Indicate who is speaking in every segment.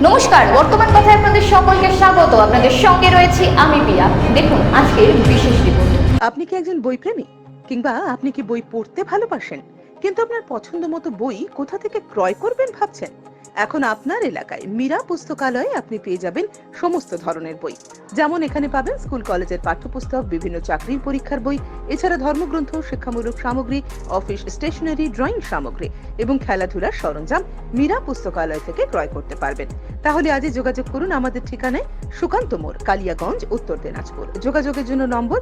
Speaker 1: নমস্কার, বর্তমান কথায় আপনাদের সকলকে স্বাগত। আপনাদের সঙ্গে রয়েছি আমি পিয়া। দেখুন আজকের বিশেষ রিপোর্ট।
Speaker 2: আপনি কি একজন বই প্রেমী, কিংবা আপনি কি বই পড়তে ভালোবাসেন কিন্তু আপনার পছন্দ মতো বই কোথা থেকে ক্রয় করবেন ভাবছেন? এখন আপনার এলাকায় মীরা পুস্তকালয়ে আপনি পেয়ে যাবেন সমস্ত ধরনের বই। যেমন এখানে পাবেন স্কুল কলেজের পাঠ্যপুস্তক, বিভিন্ন চাকরির পরীক্ষার বই, এছাড়া ধর্মগ্রন্থ, শিক্ষামূলক সামগ্রী, অফিস স্টেশনারি, ড্রয়িং সামগ্রী এবং খেলাধুলার সরঞ্জাম মীরা পুস্তকালয় থেকে ক্রয় করতে পারবেন। তাহলে আজই যোগাযোগ করুন আমাদের ঠিকানায়, সুকান্ত মোড়, কালিয়াগঞ্জ, উত্তর দিনাজপুর। যোগাযোগের জন্য নম্বর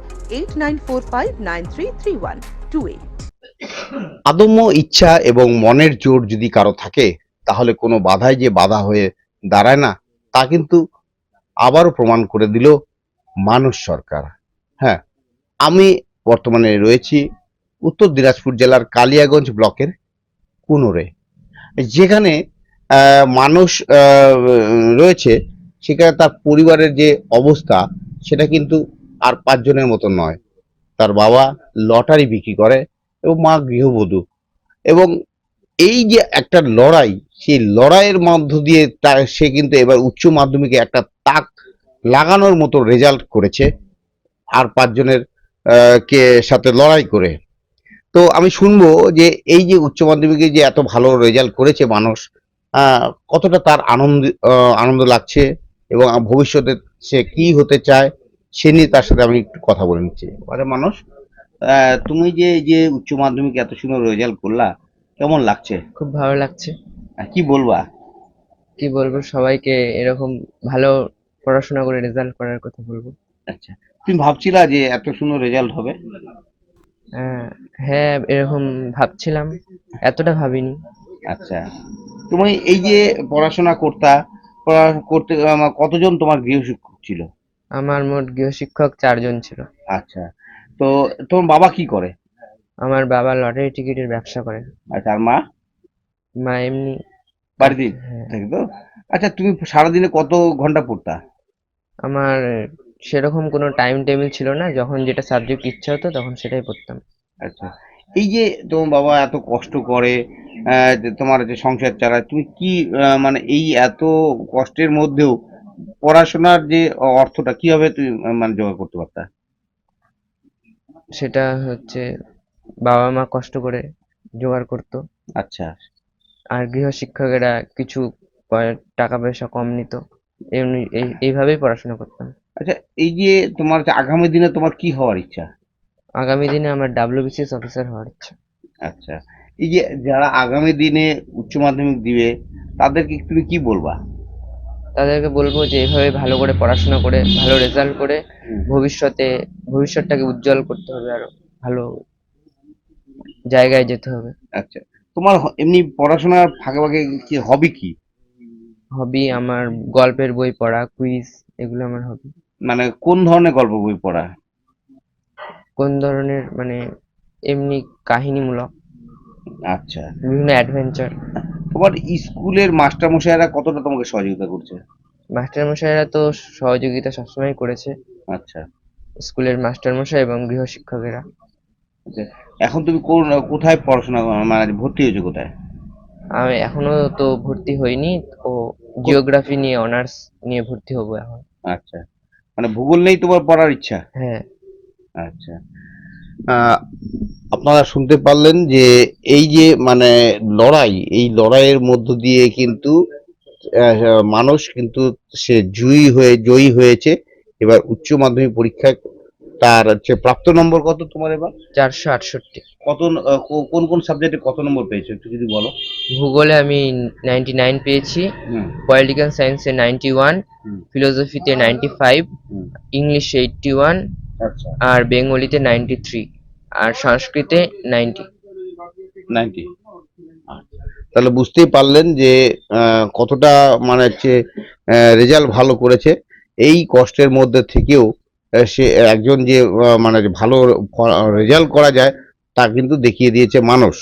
Speaker 2: 8945933128।
Speaker 3: আদম্য ইচ্ছা এবং মনের জোর যদি কারো থাকে, তাহলে কোনো বাধাই যে বাধা হয়ে দাঁড়ায় না, তা কিন্তু আবারও প্রমাণ করে দিল মানুষ সরকার। হ্যাঁ, আমি বর্তমানে রয়েছি উত্তর দিনাজপুর জেলার কালিয়াগঞ্জ ব্লকের কুনোরে, যেখানে মানুষ রয়েছে। সেখানে তার পরিবারের যে অবস্থা, সেটা কিন্তু আর পাঁচজনের মতো নয়। তার বাবা লটারি বিক্রি করে এবং মা গৃহবধূ, এবং এই যে একটা লড়াই, সেই লড়াইয়ের মধ্য দিয়ে সে কিন্তু এবার উচ্চ মাধ্যমিকে একটা তাক লাগানোর মতো রেজাল্ট করেছে, আর পাঁচজনের কে সাথে লড়াই করে। তো আমি শুনবো যে এই যে উচ্চ মাধ্যমিকে যে এত ভালো রেজাল্ট করেছে মানুষ, কতটা তার আনন্দ লাগছে, এবং ভবিষ্যতে সে কি হতে চায় সে নিয়ে তার সাথে আমি একটু কথা বলে নিচ্ছি। আরে মানুষ, তুমি যে এই যে উচ্চ মাধ্যমিকে এত সুন্দর রেজাল্ট করলা, কেমন লাগছে?
Speaker 4: খুব ভালো লাগছে।
Speaker 3: কি বলবা?
Speaker 4: কি বলবো, সবাইকে এরকম ভালো পড়াশোনা করে রেজাল্ট করার কথা বলবো।
Speaker 3: আচ্ছা, তুমি ভাবছিলা যে এত সুন্দর রেজাল্ট হবে?
Speaker 4: আহ, হ্যাঁ, এরকম ভাবছিলাম, এতটা ভাবিনি।
Speaker 3: আচ্ছা, তুমি এই যে পড়াশোনা করতে কতজন তোমার গৃহশিক্ষক ছিল?
Speaker 4: আমার মোট গৃহশিক্ষক 4 জন ছিল।
Speaker 3: আচ্ছা, তো তোমার বাবা কি করে?
Speaker 4: আমার বাবা লটারি টিকিটের ব্যবসা করে।
Speaker 3: আচ্ছা, আর মা?
Speaker 4: মা এমনি
Speaker 3: বাড়িতে
Speaker 4: হ্যাঁ।
Speaker 3: থাকে তো। আচ্ছা, তুমি সারাদিনে কত ঘন্টা পড়তা?
Speaker 4: আমার সেরকম কোনো টাইম টেবিল ছিল না, যখন যেটা সাবজেক্ট ইচ্ছা হতো তখন সেটাই পড়তাম।
Speaker 3: আচ্ছা, এই যে তোমার বাবা এত কষ্ট করে যে তোমার যে সংসার চালায়, তুমি কি মানে এই এত কষ্টের মধ্যেও পড়াশোনার যে অর্থটা কিভাবে তুমি মানে জোগাড় করতে পারতা?
Speaker 4: সেটা হচ্ছে বাবা মা কষ্ট করে জোগাড় করতো,
Speaker 3: আচ্ছা,
Speaker 4: আর গৃহশিক্ষকেরা কিছু টাকা পয়সা কম নিত। এমনি এইভাবেই পড়াশোনা করতাম।
Speaker 3: আচ্ছা, এই যে তোমার যে আগামী দিনে তোমার কি হওয়ার ইচ্ছা?
Speaker 4: আগামী দিনে আমার WBCS অফিসার হওয়ার ইচ্ছা।
Speaker 3: আচ্ছা, এই যে যারা আগামী দিনে উচ্চ মাধ্যমিক দিবে, তাদেরকে তুমি কি বলবা?
Speaker 4: তাদেরকে বলবো যে এভাবে ভালো করে পড়াশোনা করে ভালো রেজাল্ট করে
Speaker 3: হুম।
Speaker 4: ভবিষ্যৎটাকে উজ্জ্বল করতে হবে, আরো ভালো জায়গায় যেতে হবে।
Speaker 3: আচ্ছা, তোমার এমনি পড়াশোনার ফাঁকে ফাঁকে কি হবি কি?
Speaker 4: হবি আমার গল্পের বই পড়া, কুইজ, এগুলো আমার হবি।
Speaker 3: মানে কোন ধরনের গল্প বই পড়া?
Speaker 4: কোন ধরনের মানে এমনি কাহিনীমূলক,
Speaker 3: আচ্ছা,
Speaker 4: বিভিন্ন অ্যাডভেঞ্চার।
Speaker 3: তোমার স্কুলের মাস্টারমশাইরা কতটা তোমাকে সহযোগিতা করছে?
Speaker 4: মাস্টারমশাইরা তো সহযোগিতা সবসময় করেছে,
Speaker 3: আচ্ছা,
Speaker 4: স্কুলের মাস্টারমশাই এবং গৃহশিক্ষকেরা।
Speaker 3: আচ্ছা, এখন তুমি কোথায় পড়াশোনা মানে ভর্তি হয়েছো কোথায়?
Speaker 4: আমি এখনো তো ভর্তি হইনি, ও জিওগ্রাফি নিয়ে অনার্স নিয়ে ভর্তি হব এখন।
Speaker 3: আচ্ছা, মানে ভূগোল নেই তোমার পড়ার ইচ্ছা?
Speaker 4: হ্যাঁ।
Speaker 3: আচ্ছা, আহ, আপনারা শুনতে পারলেন যে এই যে মানে লড়াই, এই লড়াইয়ের মধ্য দিয়ে কিন্তু মানুষ কিন্তু সে জয়ী হয়েছে। এবার উচ্চ মাধ্যমিক পরীক্ষায় তার হচ্ছে প্রাপ্ত নম্বর কত তোমার এবার?
Speaker 4: 468।
Speaker 3: কত কোন কোন সাবজেক্টে কত নম্বর পেয়েছো একটু যদি বলো।
Speaker 4: ভূগোলে আমি 99 পেয়েছি,
Speaker 3: হুম।
Speaker 4: পলিটিক্যাল সায়েন্সে 91,
Speaker 3: হুম।
Speaker 4: ফিলোসফিতে 95,
Speaker 3: হুম।
Speaker 4: ইংলিশে 81,
Speaker 3: আচ্ছা,
Speaker 4: আর বেঙ্গলিতে 93, আর সংস্কৃতে 90।
Speaker 3: 90। তাহলে বুঝতেই পারলেন যে কতটা মানে হচ্ছে রেজাল্ট ভালো করেছে। এই কষ্টের মধ্যে থেকেও সে একজন যে মানে ভালো রেজাল্ট করা যায়, তা কিন্তু দেখিয়ে দিয়েছে মানুষ।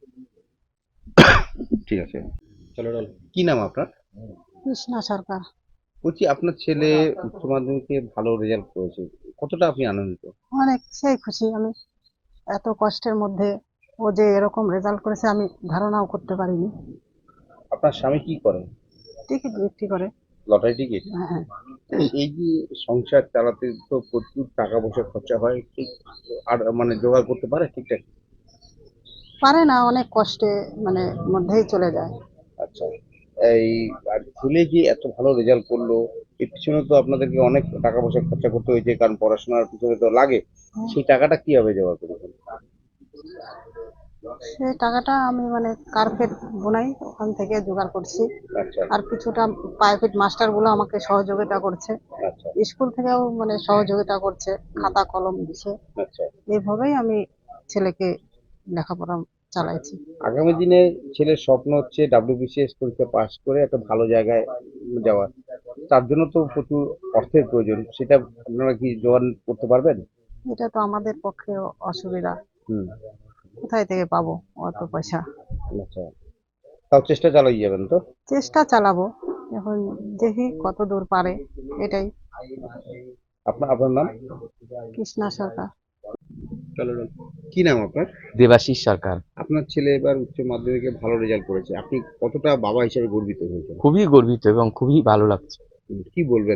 Speaker 3: ঠিক আছে, চলো। কি নাম আপনার?
Speaker 5: কৃষ্ণা সরকার।
Speaker 3: বলছি, আপনার ছেলে উচ্চ মাধ্যমিকে ভালো রেজাল্ট করেছে, কতটা আপনি আনন্দিত?
Speaker 5: অনেক সেই খুশি আমি। এত কষ্টের মধ্যে ও যে এরকম রেজাল্ট করেছে আমি ধারণাও করতে পারিনি।
Speaker 3: আপনার স্বামী কি করেন?
Speaker 5: টিকিট বিক্রি করে।
Speaker 3: Lottery ticket?
Speaker 5: হ্যাঁ,
Speaker 3: এই যে সংসার চালাতে তো প্রচুর টাকা পয়সা খরচা হয়, ঠিক আর মানে জোগাড় করতে পারে ঠিকঠাক?
Speaker 5: পারে না, অনেক কষ্টে মানে মধ্যেই চলে যায়।
Speaker 3: আচ্ছা, এই আর ছেলে যে এত ভালো রেজাল্ট করলো, এর পিছনে তো আপনাদেরকে অনেক টাকা পয়সা খরচা করতে হয়েছে, কারণ পড়াশোনার পিছনে তো লাগে। সেই টাকাটা কিভাবে জোগাড় করেছেন?
Speaker 5: সেই টাকাটা আমি মানে কার্পেট বোনাই, ওখান থেকে জোগাড় করছি।
Speaker 3: আচ্ছা,
Speaker 5: আর কিছুটা প্রাইভেট মাস্টার গুলো আমাকে সহযোগিতা করছে,
Speaker 3: আচ্ছা,
Speaker 5: স্কুল থেকেও মানে সহযোগিতা করছে, খাতা কলম দিচ্ছে।
Speaker 3: আচ্ছা।
Speaker 5: এইভাবেই আমি ছেলেকে লেখাপড়া চালাইছি।
Speaker 3: আগামী দিনে ছেলের স্বপ্ন হচ্ছে WBCS পরীক্ষা পাশ করে একটা ভালো জায়গায় যাওয়া। তার জন্য তো প্রচুর অর্থের প্রয়োজন। সেটা আপনারা কি জোগাড় করতে পারবেন?
Speaker 5: এটা তো আমাদের পক্ষে অসুবিধা,
Speaker 3: হুম,
Speaker 5: কোথায় থেকে পাবো অত পয়সা?
Speaker 3: আচ্ছা। তাও চেষ্টা চালিয়ে যাবেন তো?
Speaker 5: চেষ্টা চালাবো, এখন দেখি কত দূর পারে। এটাই।
Speaker 3: আপনার নাম?
Speaker 5: কৃষ্ণা সরকার।
Speaker 3: কি নাম আপনার?
Speaker 6: দেবাশিস সরকার।
Speaker 3: আপনার ছেলে এবার উচ্চ মাধ্যমিকে ভালো রেজাল্ট করেছে। আপনি কতটা বাবা হিসেবে গর্বিত হয়েছেন?
Speaker 6: খুবই গর্বিত এবং খুবই ভালো লাগছে।
Speaker 3: কি বলবেন?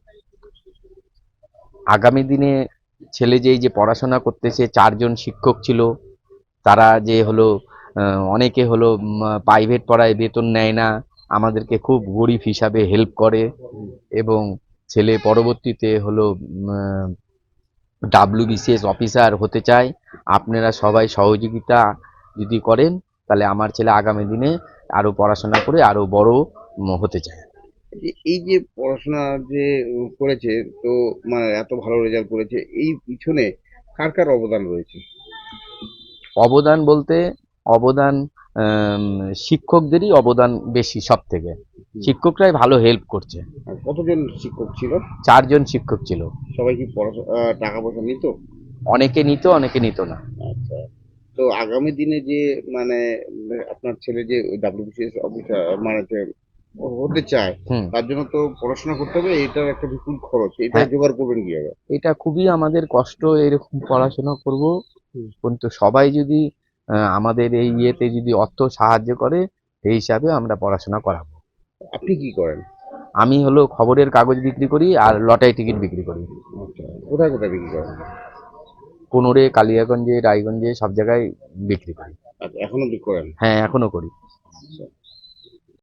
Speaker 6: আগামী দিনে ছেলে যে এই যে পড়াশোনা করতেছে, 4জন শিক্ষক ছিল, তারা যে হলো অনেকে হলো প্রাইভেট পড়ায় বেতন নেয় না, আমাদেরকে খুব গরিব হিসাবে হেল্প করে এবং ছেলে পরবর্তীতে হলো WBCS অফিসার হতে চায়। আপনারা সবাই সহযোগিতা যদি করেন তাহলে আমার ছেলে আগামী দিনে আরো পড়াশোনা করে আরো বড় হতে চায়।
Speaker 3: এই যে পড়াশোনা যে করেছে, তো মানে এত ভালো রেজাল্ট করেছে, এই পিছনে কার কার অবদান রয়েছে?
Speaker 6: অবদান বলতে অবদান শিক্ষকদেরই অবদান বেশি সব থেকে। শিক্ষকরাই ভালো হেল্প করছে।
Speaker 3: আর কতজন শিক্ষক ছিল?
Speaker 6: 4জন শিক্ষক ছিল।
Speaker 3: সবাই কি পড়াশোনা টাকা পয়সা নিত?
Speaker 6: অনেকে নিত, অনেকে নিত না।
Speaker 3: আচ্ছা। তো আগামী দিনে যে মানে আপনার ছেলে যে WBCS অফিসার মানে যে হতে চায়,
Speaker 6: হুম।
Speaker 3: তার জন্য তো পড়াশোনা করতে হবে, এটার একটা বিপুল খরচ। এটা
Speaker 6: হ্যাঁ।
Speaker 3: জোগাড় করবেন কিভাবে?
Speaker 6: এটা খুবই আমাদের কষ্ট, এরকম পড়াশোনা করব,
Speaker 3: হুম।
Speaker 6: কিন্তু সবাই যদি আমাদের এই ইয়েতে যদি অর্থ সাহায্য করে, সেই হিসাবে আমরা পড়াশোনা করাবো।
Speaker 3: আপনি কি করেন?
Speaker 6: আমি হলো খবরের কাগজ বিক্রি করি আর লটারি টিকিট বিক্রি করি।
Speaker 3: আচ্ছা, কোথায় কোথায় বিক্রি করেন?
Speaker 6: কোনোরে, কালিয়াগঞ্জে, রায়গঞ্জে সব জায়গায় বিক্রি করি।
Speaker 3: আচ্ছা, এখনো বিক্রি করেন?
Speaker 6: হ্যাঁ, এখনো করি।
Speaker 3: আচ্ছা।